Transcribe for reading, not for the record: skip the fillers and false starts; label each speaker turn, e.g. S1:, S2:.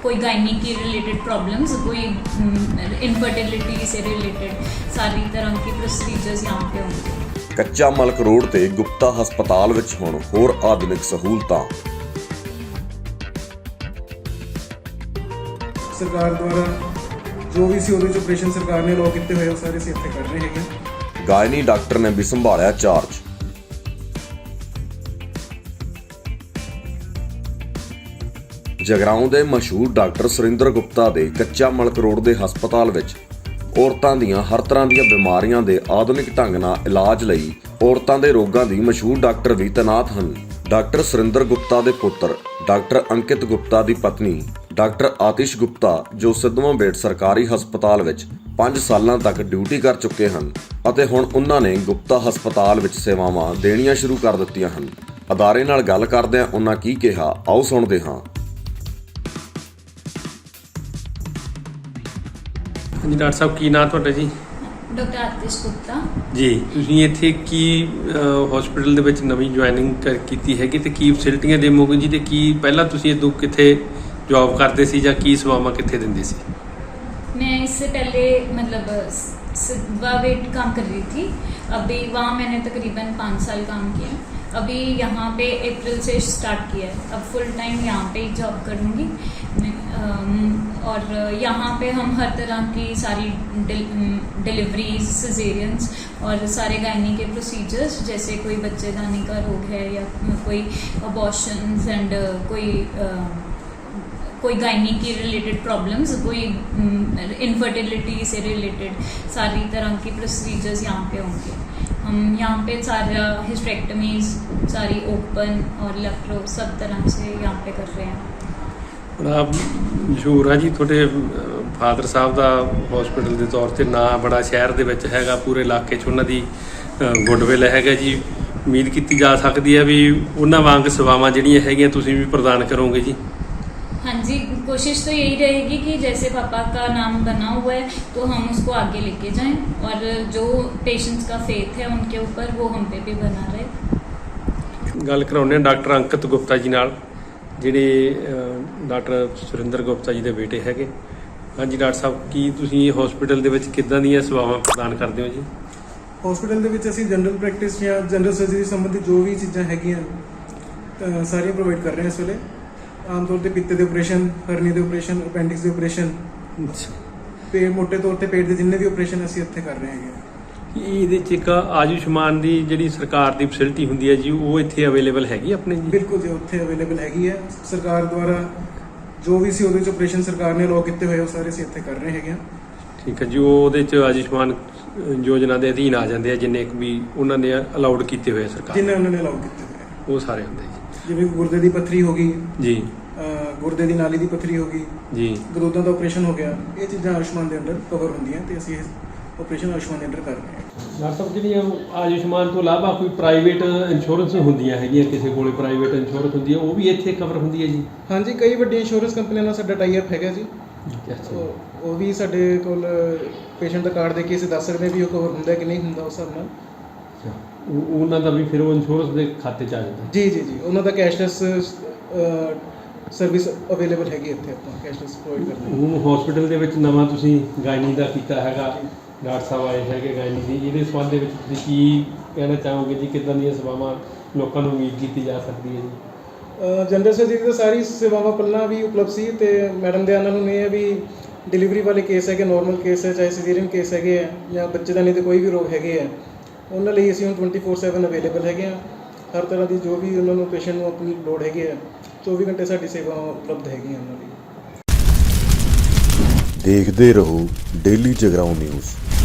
S1: कोई गायनी की related problems, कोई इनफर्टिलिटी से रिलेटेड सारी तरह की प्रोसीजर्स यहाँ पे होंगे।
S2: ਕੱਚਾ ਮਲਕ ਰੋਡ ਤੇ ਗੁਪਤਾ ਹਸਪਤਾਲ ਵਿੱਚ ਹੁਣ ਹੋਰ ਆਧੁਨਿਕ ਸਹੂਲਤਾਂ।
S3: ਸਰਕਾਰ ਦੁਆਰਾ ਜੋ ਵੀ ਸੀ ਉਹਦੇ ਵਿੱਚ ਆਪਰੇਸ਼ਨ ਸਰਕਾਰ ਨੇ ਅਲਾਉ ਕੀਤੇ ਹੋਏ ਉਹ ਸਾਰੇ ਅਸੀਂ ਇੱਥੇ ਕਰ ਰਹੇ ਹੈਗੇ।
S2: ਗਾਇਨੀ ਡਾਕਟਰ ਨੇ ਵੀ ਸੰਭਾਲਿਆ ਚਾਰਜ। ਜਗਰਾਉਂ ਦੇ ਮਸ਼ਹੂਰ ਡਾਕਟਰ ਸੁਰਿੰਦਰ ਗੁਪਤਾ ਦੇ ਕੱਚਾ ਮਲਕ ਰੋਡ ਦੇ ਹਸਪਤਾਲ ਵਿੱਚ ਔਰਤਾਂ ਦੀਆਂ ਹਰ ਤਰ੍ਹਾਂ ਦੀਆਂ ਬਿਮਾਰੀਆਂ ਦੇ ਆਧੁਨਿਕ ਢੰਗ ਨਾਲ ਇਲਾਜ ਲਈ ਔਰਤਾਂ ਦੇ ਰੋਗਾਂ ਦੀ ਮਸ਼ਹੂਰ ਡਾਕਟਰ ਵੀ ਤੈਨਾਤ ਹਨ। ਡਾਕਟਰ ਸੁਰਿੰਦਰ ਗੁਪਤਾ ਦੇ ਪੁੱਤਰ ਡਾਕਟਰ ਅੰਕਿਤ ਗੁਪਤਾ ਦੀ ਪਤਨੀ ਡਾਕਟਰ ਆਤਿਸ਼ ਗੁਪਤਾ ਜੋ ਸਿੱਧਵਾਂ ਬੇਟ ਸਰਕਾਰੀ ਹਸਪਤਾਲ ਵਿੱਚ 5 ਸਾਲਾਂ ਤੱਕ ਡਿਊਟੀ ਕਰ ਚੁੱਕੇ ਹਨ ਅਤੇ ਹੁਣ ਉਹਨਾਂ ਨੇ ਗੁਪਤਾ ਹਸਪਤਾਲ ਵਿੱਚ ਸੇਵਾਵਾਂ ਦੇਣੀਆਂ ਸ਼ੁਰੂ ਕਰ ਦਿੱਤੀਆਂ ਹਨ। ਅਦਾਰੇ ਨਾਲ ਗੱਲ ਕਰਦਿਆਂ ਉਹਨਾਂ ਕੀ ਕਿਹਾ, ਆਓ ਸੁਣਦੇ ਹਾਂ।
S4: ਜੀ ਡਾਕਟਰ ਸਾਹਿਬ ਕੀ ਨਾਂ ਤੁਹਾਡਾ ਜੀ?
S1: डॉक्टर आतिश गुप्ता
S4: ਜੀ ਤੁਸੀਂ ਇੱਥੇ ਕੀ ਹਸਪੀਟਲ ਦੇ ਵਿੱਚ ਨਵੀਂ ਜੁਆਇਨਿੰਗ ਕੀਤੀ ਹੈਗੀ ਤੇ ਕੀ ਫੈਸਿਲਿਟੀਆਂ ਦੇਵੋਗੇ ਜੀ ਤੇ ਕੀ ਪਹਿਲਾਂ ਤੁਸੀਂ ਇਦੋਂ ਕਿੱਥੇ ਜੌਬ ਕਰਦੇ ਸੀ ਜਾਂ ਕੀ ਸੇਵਾਵਾਂ ਕਿੱਥੇ ਦਿੰਦੇ ਸੀ?
S1: मैं इससे पहले मतलब सिद्धवा वेट काम कर रही थी, अभी वहाँ मैंने तकरीबन 5 साल काम किया। अभी यहाँ पे अप्रैल से स्टार्ट किया है, अब फुल टाइम यहाँ पे ही जॉब करूँगी मैं। और यहाँ पे हम हर तरह की सारी डिलीवरीज, सिजेरियंस और सारे गायनी के प्रोसीजर्स, जैसे कोई बच्चेदानी का रोग है या कोई अबॉर्शंस एंड कोई गायनी की रिलेटेड प्रॉब्लम्स, कोई इनफर्टिलिटी से रिलेटेड सारी तरह की प्रोसीजर्स यहाँ पे होंगे। हम यहाँ पे सारा हिस्टेक्टमीज, सारी ओपन और लेप्रो सब तरह से यहाँ पे कर रहे हैं।
S4: ਬੜਾ ਮਸ਼ਹੂਰ ਆ ਜੀ ਤੁਹਾਡੇ ਫਾਦਰ ਸਾਹਿਬ ਦਾ ਹਸਪੀਟਲ ਦੇ ਤੌਰ ਤੇ ਨਾਂ ਬੜਾ ਸ਼ਹਿਰ ਦੇ ਵਿੱਚ ਹੈਗਾ, ਪੂਰੇ ਇਲਾਕੇ 'ਚ ਉਹਨਾਂ ਦੀ ਗੁੱਡਵਿਲ ਹੈਗਾ ਜੀ। ਉਮੀਦ ਕੀਤੀ ਜਾ ਸਕਦੀ ਹੈ ਵੀ ਉਹਨਾਂ ਵਾਂਗ ਸੇਵਾਵਾਂ ਜਿਹੜੀਆਂ ਹੈਗੀਆਂ ਤੁਸੀਂ ਵੀ ਪ੍ਰਦਾਨ ਕਰੋਗੇ ਜੀ।
S1: हाँ जी, कोशिश तो यही रहेगी कि जैसे पापा का नाम बना हुआ है तो हम उसको आगे लेके जाएं और जो पेशेंट्स का फेथ है उनके ऊपर वो हम पे भी बना रहे।
S4: ਗੱਲ ਕਰਾਉਂਦੇ ਹਾਂ ਡਾਕਟਰ ਅੰਕਿਤ ਗੁਪਤਾ ਜੀ ਨਾਲ, ਜਿਹੜੇ ਡਾਕਟਰ ਸੁਰਿੰਦਰ ਗੁਪਤਾ ਜੀ ਦੇ ਬੇਟੇ ਹੈਗੇ। ਹਾਂਜੀ ਡਾਕਟਰ ਸਾਹਿਬ, ਕੀ ਤੁਸੀਂ ਹਸਪੀਟਲ ਦੇ ਵਿੱਚ ਕਿੱਦਾਂ ਦੀਆਂ ਸੇਵਾਵਾਂ ਪ੍ਰਦਾਨ ਕਰਦੇ ਹੋ ਜੀ?
S3: ਹਸਪੀਟਲ ਦੇ ਵਿੱਚ ਅਸੀਂ ਜਨਰਲ ਪ੍ਰੈਕਟਿਸ ਜਾਂ ਜਨਰਲ ਸਰਜਰੀ ਸੰਬੰਧੀ ਜੋ ਵੀ ਚੀਜ਼ਾਂ ਹੈਗੀਆਂ ਸਾਰੀਆਂ ਪ੍ਰੋਵਾਈਡ ਕਰ ਰਹੇ ਹਾਂ ਇਸ ਵੇਲੇ। ਆਮ ਤੌਰ ਤੇ ਪਿੱਤੇ ਦੇ ਆਪਰੇਸ਼ਨ, ਹਰਨੀ ਦੇ ਆਪਰੇਸ਼ਨ, ਅਪੈਂਡਿਕਸ ਦੇ ਆਪਰੇਸ਼ਨ ਤੇ ਮੋਟੇ ਤੌਰ ਤੇ ਪੇਟ ਦੇ ਜਿੰਨੇ ਵੀ ਆਪਰੇਸ਼ਨ ਅਸੀਂ ਇੱਥੇ ਕਰ ਰਹੇ ਹੈਗੇ।
S4: ਇਹਦੇ 'ਚ ਇੱਕ ਆਯੁਸ਼ਮਾਨ ਦੀ ਜਿਹੜੀ ਸਰਕਾਰ ਦੀ ਫੈਸਿਲਿਟੀ ਹੁੰਦੀ ਹੈ ਜੀ, ਉਹ ਇੱਥੇ ਅਵੇਲੇਬਲ ਹੈਗੀ ਆਪਣੇ ਜੀ?
S3: ਬਿਲਕੁਲ ਜੀ, ਉੱਥੇ ਅਵੇਲੇਬਲ ਹੈਗੀ ਹੈ। ਸਰਕਾਰ ਦੁਆਰਾ ਜੋ ਵੀ ਸੀ ਉਹਦੇ ਵਿੱਚ ਆਪਰੇਸ਼ਨ ਸਰਕਾਰ ਨੇ ਅਲਾਉ ਕੀਤੇ ਹੋਏ ਉਹ ਸਾਰੇ ਅਸੀਂ ਇੱਥੇ ਕਰ ਰਹੇ ਹੈਗੇ।
S4: ਠੀਕ ਹੈ ਜੀ, ਉਹ ਉਹਦੇ 'ਚ ਆਯੁਸ਼ਮਾਨ ਯੋਜਨਾ ਦੇ ਅਧੀਨ ਆ ਜਾਂਦੇ ਆ ਜਿੰਨੇ ਕੁ ਵੀ ਉਹਨਾਂ ਨੇ ਅਲਾਉਡ ਕੀਤੇ ਹੋਏ ਆ ਸਰਕਾਰ
S3: ਜਿੰਨੇ ਉਹਨਾਂ ਨੇ ਅਲਾਉ ਕੀਤੇ ਹੋਏ
S4: ਉਹ ਸਾਰੇ ਹੁੰਦੇ ਜੀ।
S3: ਜਿਵੇਂ ਗੁਰਦੇ ਦੀ ਪੱਥਰੀ ਹੋ ਗਈ
S4: ਜੀ,
S3: ਗੁਰਦੇ ਦੀ ਨਾਲੀ ਦੀ ਪੱਥਰੀ ਹੋ ਗਈ
S4: ਜੀ,
S3: ਗਰੋਦਾਂ ਦਾ ਆਪਰੇਸ਼ਨ ਹੋ ਗਿਆ, ਇਹ ਚੀਜ਼ਾਂ ਆਯੁਸ਼ਮਾਨ ਦੇ ਅੰਡਰ ਕਵਰ ਹੁੰਦੀਆਂ ਤੇ ਅਸੀਂ ਆਪਰੇਸ਼ਨ ਆਯੁਸ਼ਮਾਨ ਦੇ ਅੰਡਰ ਕਰ ਰਹੇ ਹਾਂ।
S4: ਡਾਕਟਰ ਸਾਹਿਬ, ਜਿਹੜੀਆਂ ਆਯੁਸ਼ਮਾਨ ਤੋਂ ਇਲਾਵਾ ਕੋਈ ਪ੍ਰਾਈਵੇਟ ਇੰਸ਼ੋਰੈਂਸ ਹੁੰਦੀਆਂ ਹੈਗੀਆਂ, ਕਿਸੇ ਕੋਲੇ ਪ੍ਰਾਈਵੇਟ ਇੰਸ਼ੋਰੈਂਸ ਹੁੰਦੀ ਹੈ, ਉਹ ਵੀ ਇੱਥੇ ਕਵਰ ਹੁੰਦੀ ਹੈ ਜੀ?
S3: ਹਾਂਜੀ, ਕਈ ਵੱਡੀਆਂ ਇੰਸ਼ੋਰੈਂਸ ਕੰਪਨੀਆਂ ਨਾਲ ਸਾਡਾ ਟਾਈ ਅਪ ਹੈਗਾ ਜੀ। ਉਹ ਵੀ ਸਾਡੇ ਕੋਲ ਪੇਸ਼ੈਂਟ ਦਾ ਕਾਰਡ ਦੇ ਕੇ ਅਸੀਂ ਦੱਸ ਸਕਦੇ ਹਾਂ ਵੀ ਉਹ ਕਵਰ ਹੁੰਦਾ ਕਿ ਨਹੀਂ ਹੁੰਦਾ ਉਸ ਹਿਸਾਬ ਨਾਲ।
S4: ਉਹਨਾਂ ਦਾ ਵੀ ਫਿਰ ਉਹ ਇੰਸ਼ੋਰੈਂਸ ਦੇ ਖਾਤੇ 'ਚ ਆ ਜਾਂਦਾ?
S3: ਜੀ ਜੀ ਜੀ, ਉਹਨਾਂ ਦਾ ਕੈਸ਼ਲੈਸ ਸਰਵਿਸ ਅਵੇਲੇਬਲ ਹੈਗੀ ਇੱਥੇ, ਆਪਾਂ ਕੈਸ਼ਲੈਸ ਪ੍ਰੋਵਾਈਡ ਕਰਦੇ ਹਾਂ।
S4: ਹੁਣ ਹਸਪੀਟਲ ਦੇ ਵਿੱਚ ਨਵਾਂ ਤੁਸੀਂ ਗਾਇਨੀ ਦਾ ਕੀਤਾ ਹੈਗਾ, ਡਾਕਟਰ ਸਾਹਿਬ ਆਏ ਹੈਗੇ ਗਾਇਨੀ ਦੀ, ਇਹਦੇ ਸੰਬੰਧ ਦੇ ਵਿੱਚ ਤੁਸੀਂ ਕੀ ਕਹਿਣਾ ਚਾਹੋਗੇ ਜੀ? ਕਿੱਦਾਂ ਦੀਆਂ ਸੇਵਾਵਾਂ ਲੋਕਾਂ ਨੂੰ ਉਮੀਦ ਕੀਤੀ ਜਾ ਸਕਦੀ ਹੈ ਜੀ?
S3: ਜਨਰਲ ਸਰਜਰੀ ਦੀ ਸਾਰੀ ਸੇਵਾਵਾਂ ਪਹਿਲਾਂ ਵੀ ਉਪਲਬਧ ਸੀ ਤੇ ਮੈਡਮ ਦੇ ਨਾਲ ਹੁਣ ਇਹ ਹੈ ਵੀ ਡਿਲੀਵਰੀ ਵਾਲੇ ਕੇਸ ਹੈਗੇ, ਨੋਰਮਲ ਕੇਸ ਹੈ, ਚਾਹੇ ਸਿਜ਼ੇਰੀਅਨ ਕੇਸ ਹੈਗੇ ਆ ਜਾਂ ਬੱਚੇਦਾਨੀ ਦੇ ਕੋਈ ਵੀ ਰੋਗ ਹੈਗੇ ਆ, ਉਹਨਾਂ ਲਈ ਅਸੀਂ ਹੁਣ 24/7 ਅਵੇਲੇਬਲ ਹੈਗੇ ਆ। ਹਰ ਤਰ੍ਹਾਂ ਦੀ ਜੋ ਵੀ ਉਹਨਾਂ ਨੂੰ ਪੇਸ਼ੈਂਟ ਨੂੰ ਆਪਣੀ ਲੋੜ ਹੈਗੀ ਆ, 24 ਘੰਟੇ ਸਾਡੀ ਸੇਵਾ ਉਪਲਬਧ ਹੈਗੀਆਂ ਉਹਨਾਂ ਲਈ।
S2: ਦੇਖਦੇ ਰਹੋ ਡੇਲੀ ਜਗਰਾਉਂ ਨਿਊਜ਼।